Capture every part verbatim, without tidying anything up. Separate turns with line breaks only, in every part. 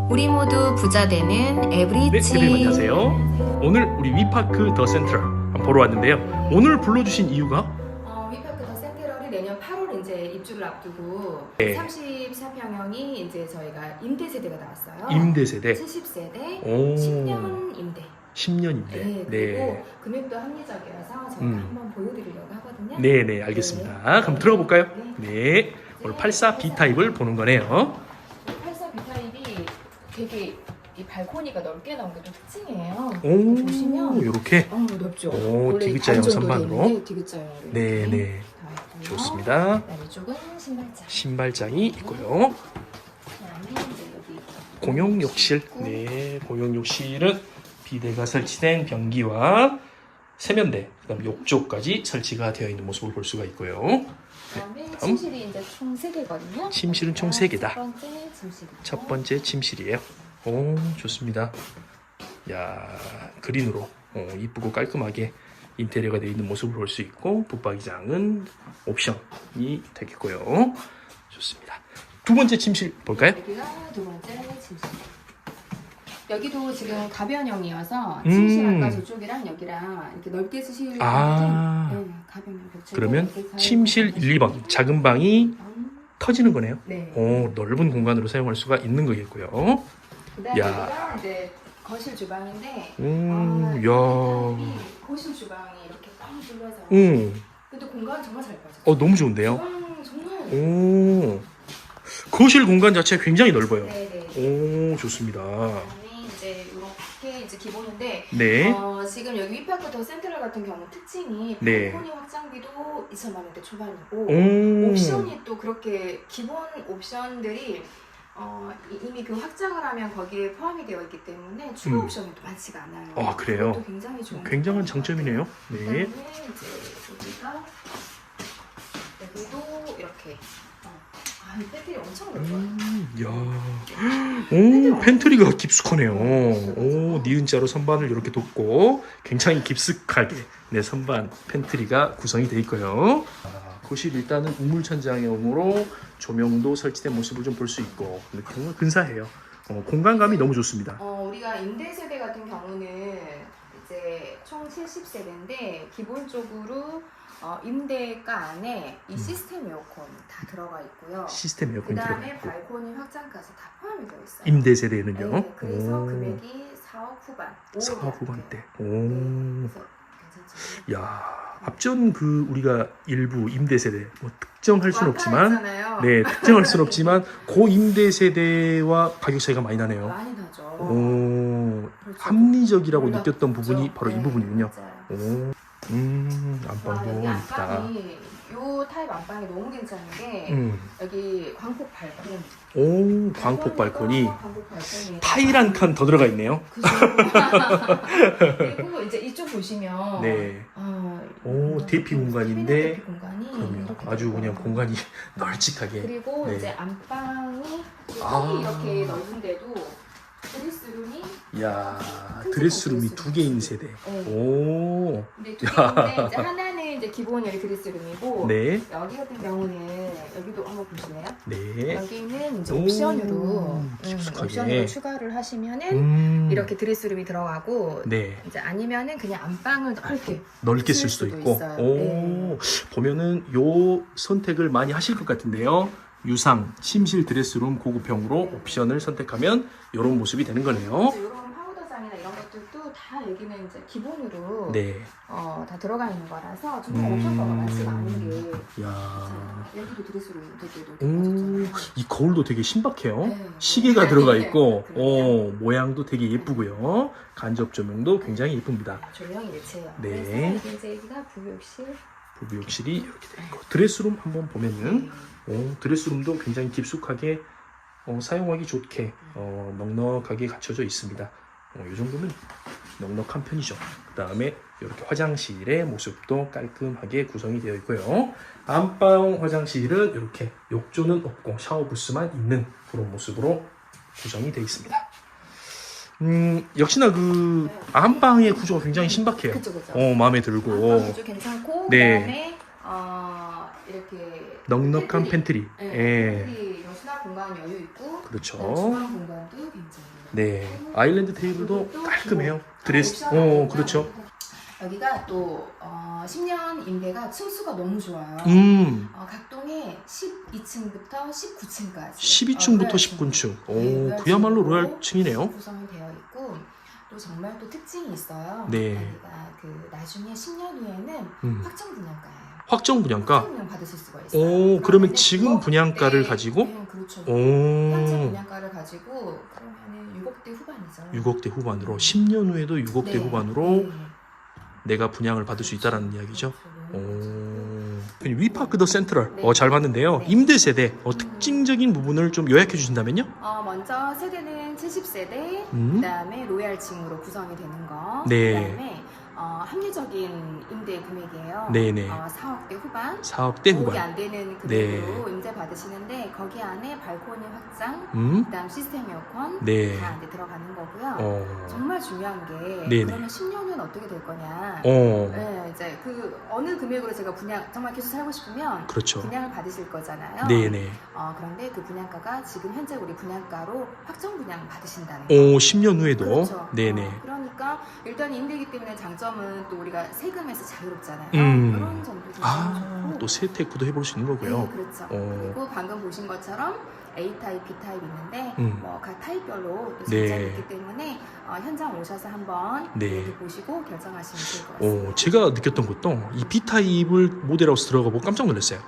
우리 모두 부자 되는
네,
에브리치.
대표님 안녕하세요. 오늘 우리 위파크 더 센트럴 한번 보러 왔는데요. 오늘 불러주신 이유가
어, 위파크 더 센트럴이 내년 팔월 이제 입주를 앞두고
네.
삼십사 평형이 이제 저희가 임대 세대가 나왔어요.
임대 세대.
칠십 세대,
오.
십 년 임대.
십 년 임대.
네, 그리고
네.
금액도 합리적이어서 저희가
음.
한번 보여드리려고 하거든요.
네, 네, 알겠습니다. 그럼 들어가 볼까요? 네. 오늘 팔십사 비 타입을 보는 거네요.
팔십사 비 타입이 되게 이 발코니가 넓게 나온 게 또 특징이에요.
오,
보시면
이렇게.
어, 넓죠.
오,
원래
디귿자형
반 정도
선반으로.
되는데 디귿자형으로
네,
이렇게
네.
다 있고요.
좋습니다.
그다음에 이쪽은 신발장.
신발장이 있고요.
그다음에 이제 여기
공용 욕실. 네, 공용 욕실은 비대가 설치된 변기와 세면대, 그다음 욕조까지 설치가 되어 있는 모습을 볼 수가 있고요.
그다음에
다음.
침실이 이제 총 세 개거든요.
침실은 총 세 개다.
첫 번째 침실.
첫 번째 침실이에요. 오, 좋습니다. 야, 그린으로 어, 이쁘고 깔끔하게 인테리어가 되어 있는 모습을 볼 수 있고, 붙박이장은 옵션이 되겠고요. 좋습니다. 두 번째 침실 볼까요?
여기가 두 번째 침실. 여기도 지금 가변형이어서
음.
침실 아까 저쪽이랑 여기랑 이렇게 넓게 쓰실
아.
네, 가변형 벽체.
그러면 침실 일, 이 번 작은 방이 터지는 거네요.
네.
오, 넓은 공간으로 사용할 수가 있는 거겠고요.
그다음에
야.
여기가 이제 거실 주방인데
음,
아,
야.
이 거실 주방이 이렇게 뻥 뚫려서
음,
근데 공간 정말 잘 빠졌어요.
어, 너무 좋은데요?
주방 정말
오, 거실 공간 자체가 굉장히 넓어요.
네네.
오, 좋습니다.
그다음에 이제 이렇게 이제 기본인데
네.
어, 지금 여기 위파크 더 센트럴 같은 경우 특징이
네.
발코니 확장비도 이천만 원대 초반이고
오,
옵션이 또 그렇게 기본 옵션들이 어, 이- 이미 그 확장을 하면 거기에 포함이 되어 있기 때문에 추가
음.
옵션이 또 많지가 않아요.
아, 그래요?
그것도 굉장히 좋은
굉장한
점인 것
장점이네요.
같아요.
네.
그다음에 이제 여기가 여기도 이렇게 어, 아, 이 배터리 엄청 넓어요.
음, 야, 오, 팬트리가 깊숙하네요. 오, 니은자로 선반을 이렇게 뒀고 굉장히 깊숙하게 네 선반 팬트리가 구성이 되어 있고요. 아, 거실 일단은 우물 천장형으로 조명도 설치된 모습을 좀 볼 수 있고 정말 근사해요. 어, 공간감이 너무 좋습니다.
어, 우리가 임대 세대 같은 경우는 이제 총 칠십 세대인데 기본적으로 어, 임대가 안에 이
음.
시스템 에어컨 다 들어가 있고요.
시스템
그
에어컨이 들어가
다음에
있고
발코니 확장까지 다 포함이 되어 있어요.
임대 세대는요.
네, 그래서
오,
금액이 사억 후반, 오억이
사
안
후반대.
돼요.
오.
네, 그래서 괜찮죠.
야, 앞전 그 우리가 일부 임대 세대 뭐 특정할 수는 없지만
완판했잖아요.
네, 특정할 수는 없지만 고 임대 세대와 가격 차이가 많이 나네요.
많이 나죠.
오,
그렇죠.
합리적이라고
몰랐죠.
느꼈던 부분이 바로 이
네,
부분이군요.
맞아요.
오, 음,
와,
안방도
여기
이쁘다.
안방이 요 타입 안방이 너무 괜찮은 게
음,
여기 광폭 발코니.
오, 광폭 발코니.
광폭 발코니.
타일 한 칸 더 들어가 있네요.
그죠. 그리고 이제 이쪽 보시면
네.
아,
오,
이거
대피 공간인데
대피 공간이
그럼요.
이렇게
아주
넓어요.
그냥 공간이 널찍하게.
그리고
네.
이제 안방이
아.
이렇게 넓은데도 드레스룸이
야,
큰
드레스룸이
드레스룸.
두 개인 세대.
네.
오,
근데 두 개인데 이제 하나는 이제 기본 여기 드레스룸이고
네,
여기 같은 경우는 여기도 한번 보시네요.
네.
여기는 이제
오,
옵션으로 음,
깊숙하게.
옵션으로 추가를 하시면은
음,
이렇게 드레스룸이 들어가고
네.
이제 아니면은 그냥 안방을 넓게
넓게
쓸
쓸 수도
수도
있고.
있어요.
오,
네.
보면은 요 선택을 많이 하실 것 같은데요. 유상, 침실 드레스룸 고급형으로
네.
옵션을 선택하면 이런 모습이 되는 거네요.
이런 파우더장이나 이런 것들도 다 여기는 이제 기본으로
네.
어, 다 들어가 있는 거라서 정말
음.
옵션가가 많지가 않은 게
야,
자, 여기도 드레스룸 되게 넓게
오,
빠졌잖아요.
이 거울도 되게 신박해요.
네.
시계가
네.
들어가 있고,
그럼요.
오, 모양도 되게 예쁘고요. 간접 조명도 굉장히 예쁩니다.
조명이 매체예요.
네.
그래서 이게 이제 여기가 부욕실.
부부욕실이 이렇게 되어 있고, 드레스룸 한번 보면은 오, 드레스룸도 굉장히 깊숙하게 어, 사용하기 좋게 어, 넉넉하게 갖춰져 있습니다. 어, 이 정도면 넉넉한 편이죠. 그 다음에 이렇게 화장실의 모습도 깔끔하게 구성이 되어 있고요. 안방 화장실은 이렇게 욕조는 없고 샤워 부스만 있는 그런 모습으로 구성이 되어 있습니다. 음, 역시나 그 안방의 구조가 굉장히 신박해요.
그쵸 그쵸.
어, 마음에 들고
안방 구조 괜찮고
네.
그다음에 어, 이렇게
넉넉한 팬트리.
네,
예.
팬트리 수납 공간 여유 있고
그렇죠.
그다음 주방 공간도 굉장히
네, 아일랜드 테이블도
이것도
깔끔해요.
기본.
드레스,
아,
어,
옵션이니까.
그렇죠.
여기가 또 어, 십 년 임대가 층수가 너무 좋아요.
음,
어, 각동에 십이 층부터 십구 층까지.
십이 층부터
어,
십구 층. 오,
네,
그야말로
로얄층으로
로얄층이네요.
구성이 되어 있고 또 정말 또 특징이 있어요.
네.
여기가 그 나중에 십 년 후에는
음.
확정 분양가예요.
확정 분양가.
확정 분양 받으실 수가 있어요.
오, 그러면
그러면은
지금
어,
분양가를
네,
가지고?
네, 그렇죠.
오,
현재 분양가를 가지고 그러면은 육억대 후반이죠.
육억대 후반으로 십 년 후에도 육억대
네,
후반으로
네.
내가 분양을 받을 수 있다라는 이야기죠.
그렇죠.
오, 위파크 더 센트럴.
네.
어, 잘 봤는데요.
네.
임대 세대 어, 특징적인 부분을 좀 요약해 주신다면요?
어, 먼저 세대는 칠십 세대,
음.
그다음에 로얄층으로 구성이 되는 거.
네.
그다음에 어, 합리적인 임대 금액이에요.
네네.
어, 사억대 후반.
사억대
오억이
후반.
안 되는
네.
금액으로 임대 받으시는데 거기 안에 발코니 확장,
음.
그다음 시스템 에어컨
네.
다 이제 들어가는 거고요.
어.
정말 중요한 게
네네.
그러면 십 년 후는 어떻게 될 거냐.
어.
네, 이제 그 어느 금액으로 제가 분양 정말 계속 살고 싶으면
그렇죠.
분양을 받으실 거잖아요.
네네.
어, 그런데 그 분양가가 지금 현재 우리 분양가로 확정 분양 받으신다는 거.
오, 십 년 후에도.
그렇죠.
네네.
어, 그러니까 일단 임대기 때문에 장점은 또 우리가 세금에서 자유롭잖아요.
음.
그런 점도 굉장히
아,
좋고.
또 세테크도 해볼 수 있는 거고요.
네, 그렇죠.
어.
그리고 방금 보신 것처럼 A 타입, B 타입 있는데
음.
뭐 각 타입별로 또
네.
장점이 있기 때문에 어, 현장 오셔서 한번
네.
이렇게 보시고 결정하시면 좋을 것 같습니다.
어, 제가 느꼈던 것도 이 B타입을 모델하우스 들어가 보고 깜짝 놀랐어요.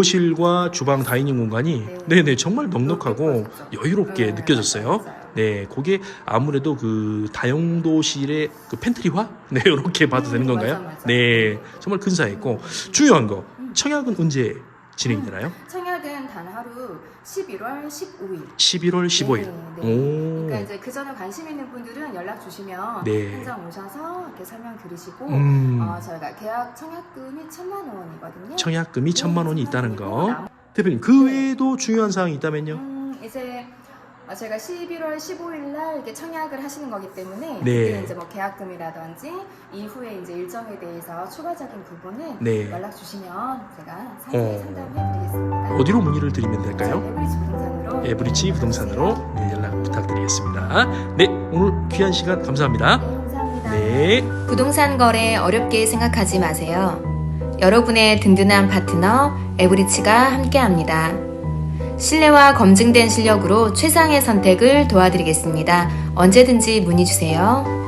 거실과 주방 다이닝 공간이
네.
네네 정말 넉넉하고
넉넉하죠.
여유롭게
네,
느껴졌어요.
맞아요, 맞아요.
네, 그게 아무래도 그 다용도실의 그 팬트리화? 네, 이렇게 봐도
음,
되는 건가요?
맞아, 맞아.
네, 정말 근사했고 중요한 거
음.
청약은 언제 진행이 되나요?
청약은 단 하루 십일월 십오일.
십일월 십오일.
네, 네.
오.
그러니까 이제 그 전에 관심 있는 분들은 연락 주시면
네.
현장 오셔서 이렇게 설명 들으시고
음.
어, 저희가 계약 청약금이 천만 원이거든요.
청약금이 천만 원이 있다는 거.
남-
대표님 그 외에도 중요한 사항이 있다면요?
음, 이제 어, 저희가 십일월 십오일 날 이렇게 청약을 하시는 거기 때문에
네.
그때 이제 뭐 계약금이라든지 이후에 이제 일정에 대해서 추가적인 부분은
네.
연락 주시면 제가 상세히
어.
상담해 드리겠습니다.
어디로 문의를 드리면 될까요?
에브리지 부동산으로
에브리지 부동산으로 네, 연락 부탁드리겠습니다. 네, 오늘 귀한 시간 감사합니다.
네, 감사합니다.
네.
부동산 거래 어렵게 생각하지 마세요. 여러분의 든든한 파트너 에브리치가 함께합니다. 신뢰와 검증된 실력으로 최상의 선택을 도와드리겠습니다. 언제든지 문의 주세요.